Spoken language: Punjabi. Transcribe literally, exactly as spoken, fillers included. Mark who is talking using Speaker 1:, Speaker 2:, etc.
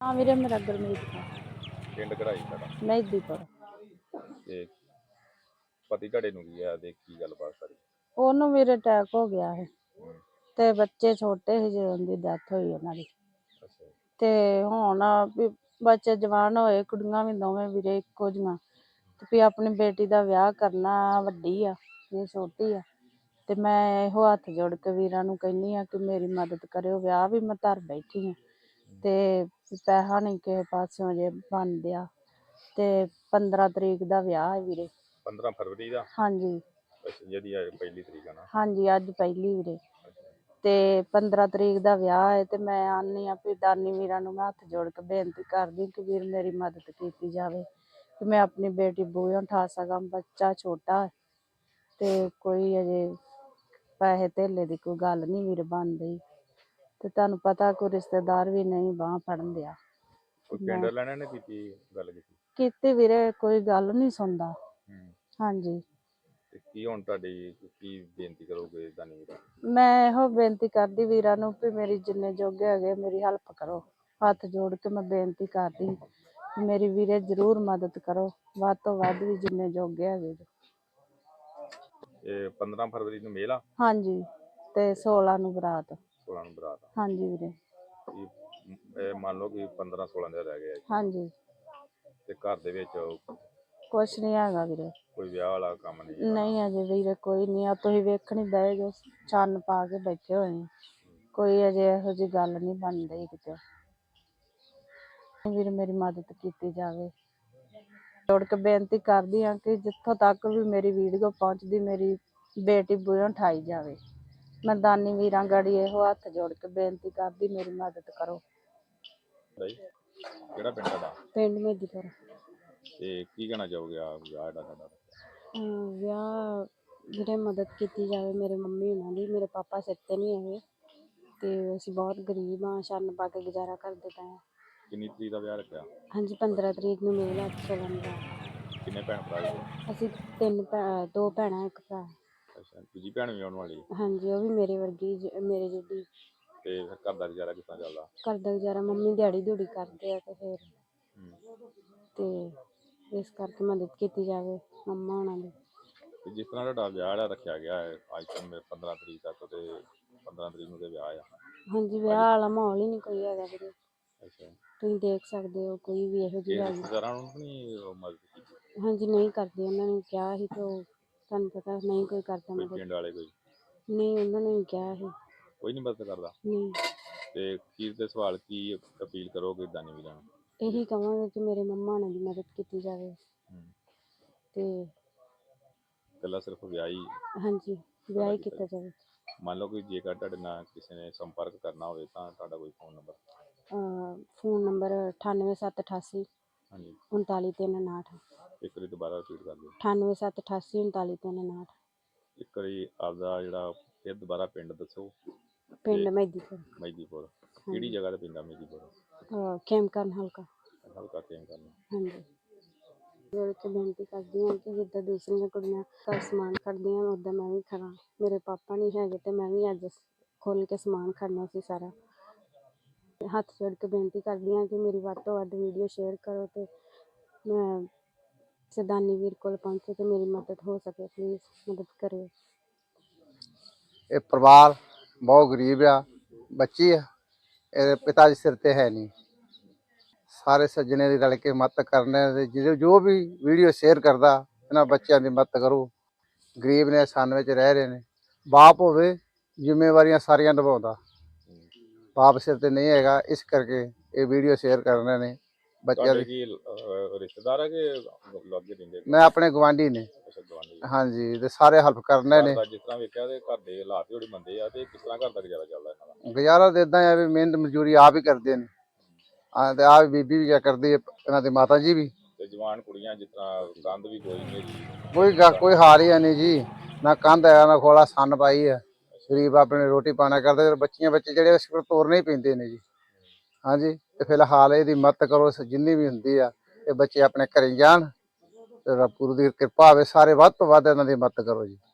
Speaker 1: हाँ वीरे मेरा गुरमीत का
Speaker 2: ਪਿੰਡ ਘੜਾਈ ਸਾਡਾ
Speaker 1: ਮਹਿਦੀਪੁਰ।
Speaker 2: ਤੇ ਪਤੀ ਤੁਹਾਡੇ ਨੂੰ ਕੀ ਆ ਤੇ ਕੀ ਗੱਲਬਾਤ ਸਾਰੀ?
Speaker 1: ਉਹਨੂੰ ਵੀਰੇ ਅਟੈਕ ਹੋ ਗਿਆ ਹੈ
Speaker 2: ਹੂੰ,
Speaker 1: ਤੇ ਬੱਚੇ ਛੋਟੇ ਸੀ ਜਦੋਂ ਦੀ ਡੈਥ ਹੋਈ ਉਹਨਾਂ ਦੀ।
Speaker 2: ਅੱਛਾ ਜੀ,
Speaker 1: ਤੇ ਹੁਣ ਵੀ ਬੱਚੇ ਜਵਾਨ ਹੋਏ, ਕੁੜੀਆਂ ਵੀ ਦੋਵੇਂ ਵੀਰੇ ਇੱਕੋ ਜਿਹੀਆਂ, ਤੇ ਵੀ ਆਪਣੀ ਬੇਟੀ ਦਾ ਵਿਆਹ ਕਰਨਾ, ਵੱਡੀ ਆ ਇਹ ਛੋਟੀ ਆ। ਤੇ ਮੈਂ ਇਹੋ ਹੱਥ ਜੋੜ ਕੇ ਵੀਰਾਂ ਨੂੰ ਕਹਿੰਦੀ ਆ ਕਿ ਮੇਰੀ ਮਦਦ ਕਰਿਓ, ਵਿਆਹ ਵੀ ਮੈਂ ਧਰ ਬੈਠੀ ਹਾਂ ਤੇ ਪੈਸਾ ਨਹੀਂ ਕਿਸੇ ਪਾਸਿਓਂ ਜੇ ਬਣ ਡਿਆ। ਤੇ ਪੰਦਰਾਂ ਤਰੀਕ ਦਾ ਵਿਆਹ ਹੈ ਵੀਰੇ।
Speaker 2: ਪੰਦਰਾਂ ਫਰਵਰੀ ਦਾ?
Speaker 1: ਹਾਂਜੀ
Speaker 2: ਅੱਛਾ, ਜਿਹਦੀ ਅੱਜ ਪਹਿਲੀ ਤਰੀਕ ਆ ਨਾ?
Speaker 1: ਹਾਂਜੀ ਅੱਜ ਪਹਿਲੀ ਵੀਰੇ।
Speaker 2: ਅੱਛਾ,
Speaker 1: ਤੇ ਪੰਦਰਾਂ ਤਰੀਕ ਦਾ ਵਿਆਹ ਹੈ ਤੇ ਮੈਂ ਆਨੀ ਆ ਵੀ ਦਾਨੀ ਵੀਰਾਂ ਨੂੰ ਮੈਂ ਹੱਥ ਜੋੜ ਕੇ ਬੇਨਤੀ ਕਰਦੀ ਕਿ ਵੀਰ ਮੇਰੀ ਮਦਦ ਕੀਤੀ ਜਾਵੇ ਕਿ ਮੈਂ ਆਪਣੀ ਬੇਟੀ ਬੂਹਿਓਂ ਉਠਾ ਸਕਾਂ। ਬੱਚਾ ਛੋਟਾ ਹੈ ਤੇ ਕੋਈ ਅਜੇ ਪੈਸੇ ਧੇਲੇ ਦੀ ਕੋਈ ਗੱਲ ਨਹੀਂ ਵੀਰ ਬਣਦੀ, ਤੇ ਤੁਹਾਨੂੰ ਪਤਾ ਕੋਈ ਰਿਸ਼ਤੇਦਾਰ ਵੀ ਨਹੀਂ ਬਾਂਹ ਫੜਨ ਦਿਆ।
Speaker 2: ਕੋਈ ਪਿੰਡ ਵਾਲਿਆਂ ਨੇ ਕੀਤੀ ਗੱਲ ਕੀਤੀ?
Speaker 1: ਕੀਤੀ ਵੀਰੇ, ਕੋਈ ਗੱਲ ਨਹੀਂ ਸੁਣਦਾ।
Speaker 2: ਹੂੰ,
Speaker 1: ਹਾਂਜੀ
Speaker 2: ਤੇ ਕੀ ਹੁਣ ਤੁਹਾਡੀ ਕੀ ਬੇਨਤੀ ਕਰੋਗੇ ਦਾਨੀ ਵੀਰਾਂ ਨੂੰ?
Speaker 1: ਮੈਂ ਇਹੋ ਬੇਨਤੀ ਕਰਦੀ ਵੀਰਾਂ ਨੂੰ ਵੀ ਮੇਰੀ ਜਿੰਨੇ ਜੋਗੇ ਹੈਗੇ ਮੇਰੀ ਹੈਲਪ ਕਰੋ। ਹੱਥ ਜੋੜ ਕੇ ਮੈਂ ਬੇਨਤੀ ਕਰਦੀ ਵੀ ਮੇਰੀ ਵੀਰੇ ਜ਼ਰੂਰ ਮਦਦ ਕਰੋ, ਵੱਧ ਤੋਂ ਵੱਧ ਵੀ ਜਿੰਨੇ ਜੋਗੇ ਹੈਗੇ।
Speaker 2: ਇਹ ਪੰਦਰਾਂ ਫਰਵਰੀ ਨੂੰ ਮੇਲ ਆ?
Speaker 1: ਹਾਂਜੀ ਤੇ ਸੋਲਾਂ ਨੂੰ ਬਰਾਤ।
Speaker 2: ਸੋਲਾਂ ਨੂੰ ਬਰਾਤ ਆ?
Speaker 1: ਹਾਂਜੀ ਵੀਰੇ।
Speaker 2: ਇਹ ਇਹ ਮੰਨ ਲਓ ਕਿ ਪੰਦਰਾਂ ਸੋਲਾਂ ਦਿਨ ਰਹਿ ਗਏ ਆ
Speaker 1: ਹਾਂਜੀ
Speaker 2: ਤੇ ਘਰ ਦੇ ਵਿੱਚ
Speaker 1: ਕੁਛ ਨਹੀਂ ਹੈਗਾ ਵੀਰੇ।
Speaker 2: ਕੋਈ ਵਿਆਹ ਵਾਲਾ ਕੰਮ ਨਹੀਂ?
Speaker 1: ਨਹੀਂ ਅਜੇ ਵੀਰੇ ਕੋਈ ਨਹੀਂ ਆ, ਤੁਸੀਂ ਵੇਖਣ ਹੀ ਦਏ ਜੋ ਚੰਨ ਪਾ ਕੇ ਬੈਠੇ ਹੋਏ ਨੇ, ਕੋਈ ਅਜੇ ਇਹੋ ਜਿਹੀ ਗੱਲ ਨਹੀਂ ਬਣ ਰਹੀ ਕਿਤੇ। ਵੀਰ ਮੇਰੀ ਮਦਦ ਕੀਤੀ ਜਾਵੇ, ਜੋੜ ਕੇ ਬੇਨਤੀ ਕਰਦੀ ਹਾਂ ਕਿ ਜਿੱਥੋਂ ਤੱਕ ਵੀ ਮੇਰੀ ਵੀਡੀਓ ਪਹੁੰਚਦੀ ਮੇਰੀ ਬੇਟੀ ਬੂਹਿਓਂ ਉਠਾਈ ਜਾਵੇ। ਮੈਂ ਦਾਨੀ ਵੀਰਾਂ ਗੜੀ ਇਹੋ ਹੱਥ ਜੋੜ ਕੇ ਬੇਨਤੀ ਕਰਦੀ ਮੇਰੀ ਮਦਦ ਕਰੋ।
Speaker 2: ਕਿਹੜਾ ਪਿੰਡ ਤੁਹਾਡਾ?
Speaker 1: ਪਿੰਡ ਮਹਿਦੀਪੁਰ।
Speaker 2: ਤੇ ਕੀ ਕਹਿਣਾ ਚਾਹੋਗੇ ਆ ਵਿਆਹ ਜਿਹੜਾ ਤੁਹਾਡਾ?
Speaker 1: ਵਿਆਹ ਵੀਰੇ ਮਦਦ ਕੀਤੀ ਜਾਵੇ ਮੇਰੇ ਮੰਮੀ ਹੋਣਾ ਦੀ। ਮੇਰੇ ਪਾਪਾ ਸਿਰ 'ਤੇ ਨਹੀਂ ਹੈਗੇ ਤੇ ਅਸੀਂ ਬਹੁਤ ਗਰੀਬ ਹਾਂ, ਛੰਨ ਪਾ ਕੇ ਗੁਜ਼ਾਰਾ ਕਰਦੇ ਪਏ ਹਾਂ।
Speaker 2: ਕਿੰਨੀ ਤਰੀਕ ਦਾ ਵਿਆਹ ਰੱਖਿਆ?
Speaker 1: ਹਾਂਜੀ ਪੰਦਰਾਂ ਤਰੀਕ ਨੂੰ ਮੇਲ ਆ, ਸੋਲਾਂ ਨੂੰ ਰਾਤ।
Speaker 2: ਕਿੰਨੇ ਭੈਣ ਭਰਾ ਜੀ?
Speaker 1: ਅਸੀਂ ਤਿੰਨ ਭੈ ਦੋ ਭੈਣਾਂ ਇੱਕ ਭਰਾ।
Speaker 2: ਅੱਛਾ, ਦੂਜੀ ਭੈਣ ਵੀ ਆਉਣ ਵਾਲੀ?
Speaker 1: ਹਾਂਜੀ ਉਹ ਵੀ ਮੇਰੇ ਵਰਗੀ ਜ- ਮੇਰੇ ਜਿੱਡੀ।
Speaker 2: ਤੇ ਫਿਰ ਘਰ ਦਾ ਗੁਜ਼ਾਰਾ ਕਿਸ ਤਰ੍ਹਾਂ ਚੱਲਦਾ?
Speaker 1: ਘਰ ਦਾ ਗੁਜ਼ਾਰਾ ਮੰਮੀ ਦਿਹਾੜੀ ਦਿਹੂੜੀ ਕਰਦੇ ਆ ਤੇ ਫਿਰ
Speaker 2: ਹੂੰ,
Speaker 1: ਤੇ ਇਸ ਕਰਕੇ ਮਦਦ ਕੀਤੀ ਜਾਵੇ ਮੰਮਾ ਹੋਣਾ ਦੀ।
Speaker 2: ਤੇ ਜਿਸ ਤਰ੍ਹਾਂ ਤੁਹਾਡਾ ਵਿਆਹ ਜਿਹੜਾ ਰੱਖਿਆ ਗਿਆ ਹੈ ਅੱਜ ਤੋਂ ਪੰਦਰਾਂ ਤਰੀਕ ਤੱਕ, ਤੇ ਪੰਦਰਾਂ ਤਰੀਕ ਨੂੰ ਤੇ ਵਿਆਹ ਆ?
Speaker 1: ਹਾਂਜੀ ਵਿਆਹ ਵਾਲਾ ਮਾਹੌਲ ਹੀ ਨਹੀਂ ਕੋਈ ਹੈਗਾ ਵੀਰੇ।
Speaker 2: ਅੱਛਾ,
Speaker 1: ਤੁਸੀਂ ਦੇਖ ਸਕਦੇ ਹੋ ਕੋਈ ਵੀ ਇਹੋ ਜਿਹੀ
Speaker 2: ਇਹ
Speaker 1: ਹੈਗੀ।
Speaker 2: ਰਿਸ਼ਤੇਦਾਰਾਂ ਨੂੰ ਨਹੀਂ ਮਦਦ ਕੀਤੀ?
Speaker 1: ਹਾਂਜੀ ਨਹੀਂ ਕਰਦੇ, ਉਹਨਾਂ ਨੇ ਕਿਹਾ ਸੀ ਤੇ ਉਹ ਤੁਹਾਨੂੰ ਪਤਾ ਨਹੀਂ ਕੋਈ ਕਰਦਾ
Speaker 2: ਕੋਈ
Speaker 1: ਮਦਦ।
Speaker 2: ਪਿੰਡ ਵਾਲੇ ਕੋਈ
Speaker 1: ਨਹੀਂ ਉਹਨਾਂ ਨੇ ਵੀ ਕਿਹਾ ਸੀ।
Speaker 2: ਕੋਈ ਨਹੀਂ ਮਦਦ ਕਰਦਾ?
Speaker 1: ਨਹੀਂ।
Speaker 2: ਤੇ ਅਖੀਰ ਤੇ ਸਵਾਲ ਕੀ ਅਪੀਲ ਕਰੋਗੇ ਦਾਨੀ ਵੀਰਾਂ ਨੂੰ?
Speaker 1: ਇਹੀ ਕਹਾਂਗੇ ਕਿ ਮੇਰੇ ਮੰਮਾ ਹੋਣਾ ਦੀ ਮਦਦ ਕੀਤੀ ਜਾਵੇ ਤੇ
Speaker 2: ਇਕੱਲਾ ਸਿਰਫ ਵਿਆਹ ਹੀ?
Speaker 1: ਹਾਂਜੀ ਵਿਆਹ ਹੀ ਕੀਤਾ ਜਾਵੇ।
Speaker 2: ਮੰਨ ਲਓ ਕਿ ਜੇਕਰ ਤੁਹਾਡੇ ਨਾਲ ਕਿਸੇ ਨੇ ਸੰਪਰਕ ਕਰਨਾ ਹੋਵੇ ਤਾਂ ਤੁਹਾਡਾ ਕੋਈ ਫੋਨ ਨੰਬਰ?
Speaker 1: ਫੋਨ ਨੰਬਰ ਅਠਾਨਵੇਂ ਸੱਤ ਅਠਾਸੀ
Speaker 2: ਹਾਂਜੀ,
Speaker 1: ਉਨਤਾਲੀ ਤਿੰਨ ਉਨਾਹਠ।
Speaker 2: ਇੱਕ ਵਾਰੀ ਦੁਬਾਰਾ ਰਿਪੀਟ ਕਰ ਦਿਓ।
Speaker 1: ਅਠਾਨਵੇਂ ਸੱਤ ਅਠਾਸੀ ਉਨਤਾਲੀ ਤਿੰਨ ਉਨਾਹਠ।
Speaker 2: ਇੱਕ ਵਾਰੀ ਆਪਦਾ ਜਿਹੜਾ ਫਿਰ ਦੁਬਾਰਾ ਪਿੰਡ ਦੱਸੋ।
Speaker 1: ਪਿੰਡ ਮਹਿਦੀਪੁਰ।
Speaker 2: ਮਹਿਦੀਪੁਰ ਕਿਹੜੀ ਜਗ੍ਹਾ ਤੇ ਪੈਂਦਾ ਮਹਿਦੀਪੁਰ?
Speaker 1: ਖੇਮਕਰਨ ਹਲਕਾ।
Speaker 2: ਹਲਕਾ ਖੇਮਕਰਨ।
Speaker 1: ਹਾਂਜੀ ਜੋੜ ਕੇ ਬੇਨਤੀ ਕਰਦੀ ਹਾਂ ਕਿ ਜਿੱਦਾਂ ਦੂਸਰੀਆਂ ਕੁੜੀਆਂ ਘਰ ਸਮਾਨ ਖੜਦੀਆਂ ਉੱਦਾਂ ਮੈਂ ਵੀ ਖੜਾਂ। ਮੇਰੇ ਪਾਪਾ ਨਹੀਂ ਹੈਗੇ ਤੇ ਮੈਂ ਵੀ ਅੱਜ ਖੁੱਲ੍ਹ ਕੇ ਸਮਾਨ ਖੜਨਾ ਸੀ ਸਾਰਾ। ਹੱਥ ਜੋੜ ਕੇ ਬੇਨਤੀ ਕਰਦੀ ਹਾਂ ਕਿ ਮੇਰੀ ਵੱਧ ਤੋਂ ਵੱਧ ਵੀਡੀਓ ਸ਼ੇਅਰ ਕਰੋ ਤੇ ਮੈਂ ਸਦਾਨੀ ਵੀਰ ਕੋਲ ਪਹੁੰਚੇ ਤੇ ਮੇਰੀ ਮਦਦ ਹੋ ਸਕੇ। ਪਲੀਜ਼ ਮਦਦ ਕਰਿਓ।
Speaker 3: ਇਹ ਪਰਿਵਾਰ ਬਹੁਤ ਗਰੀਬ ਆ, ਬੱਚੀ ਆ, ਇਹਦੇ ਪਿਤਾ ਜੀ ਸਿਰ ਤੇ ਹੈ ਨਹੀਂ। ਸਾਰੇ ਸੱਜਣੇ ਦੀ ਰਲ ਕੇ ਮਦਦ ਕਰਨੇ ਤੇ ਜਿਹੜੇ ਜੋ ਵੀ ਵੀਡੀਓ ਸ਼ੇਅਰ ਕਰਦਾ ਇਹਨਾਂ ਬੱਚਿਆਂ ਦੀ ਮਦਦ ਕਰੋ। ਗਰੀਬ ਨੇ, ਸੰਨ ਵਿੱਚ ਰਹਿ ਰਹੇ ਨੇ। ਬਾਪ ਹੋਵੇ ਜ਼ਿੰਮੇਵਾਰੀਆਂ ਸਾਰੀਆਂ ਨਿਭਾਉਂਦਾ, ਬਾਪ ਸਿਰ ਤੇ ਨਹੀਂ ਹੈਗਾ, ਇਸ ਕਰਕੇ ਇਹ ਵੀਡੀਓ ਸ਼ੇਅਰ ਕਰਨੇ ਨੇ ਬੱਚਿਆਂ ਦੀ।
Speaker 2: ਰਿਸ਼ਤੇਦਾਰ ਹੈ ਕਿ ਲਾਗੇ ਰਹਿੰਦੇ?
Speaker 3: ਮੈਂ ਆਪਣੇ ਗਵਾਂਢੀ ਨੇ। ਹਾਂਜੀ ਤੇ ਸਾਰੇ ਹੈਲਪ ਕਰਨੇ ਨੇ।
Speaker 2: ਜਿਸ ਤਰ੍ਹਾਂ ਵੇਖਿਆ ਤੇ ਘਰ ਦੇ ਹਾਲਾਤ ਬੜੇ ਮੰਦੇ ਆ, ਤੇ ਕਿਸ ਤਰ੍ਹਾਂ ਘਰ ਦਾ ਗੁਜ਼ਾਰਾ ਚੱਲਦਾ ਇਹਨਾਂ ਦਾ?
Speaker 3: ਗੁਜ਼ਾਰਾ ਤਾਂ ਇੱਦਾਂ ਆ ਵੀ ਮਿਹਨਤ ਮਜ਼ਦੂਰੀ ਆਪ ਹੀ ਕਰਦੇ ਨੇ। ਹਾਂ ਤੇ ਆਹ ਬੀਬੀ ਵੀ ਕਰਦੀ ਹੈ, ਇਹਨਾਂ ਦੀ ਮਾਤਾ ਜੀ ਵੀ।
Speaker 2: ਤੇ ਜਵਾਨ ਕੁੜੀਆਂ ਜਿਸ ਤਰ੍ਹਾਂ ਕੰਧ ਵੀ ਕੋਈ ਨਹੀਂ,
Speaker 3: ਕੋਈ ਕੋਈ ਹਾਰ ਹੀ ਨਹੀਂ ਜੀ, ਨਾ ਕੰਧ ਹੈ ਨਾ ਖੋਲਾ, ਸੰਨ ਪਾਈ ਹੈ। ਗਰੀਬ ਆਪਣੇ ਰੋਟੀ ਪਾਣਾ ਕਰਦੇ, ਬੱਚੀਆਂ ਬੱਚੇ ਜਿਹੜੇ ਇਸ ਕੋਲ ਤੋਰਨੇ ਹੀ ਪੈਂਦੇ ਨੇ ਜੀ। ਹਾਂਜੀ ਤੇ ਫਿਲਹਾਲ ਇਹਦੀ ਮਦਦ ਕਰੋ ਜਿੰਨੀ ਵੀ ਹੁੰਦੀ ਆ। ਇਹ ਬੱਚੇ ਆਪਣੇ ਘਰੇ ਜਾਣ ਤੇ ਰੱਬ ਗੁਰੂ ਦੀ ਕਿਰਪਾ ਹੋਵੇ, ਸਾਰੇ ਵੱਧ ਤੋਂ ਵੱਧ ਇਹਨਾਂ ਦੀ ਮਦਦ ਕਰੋ ਜੀ।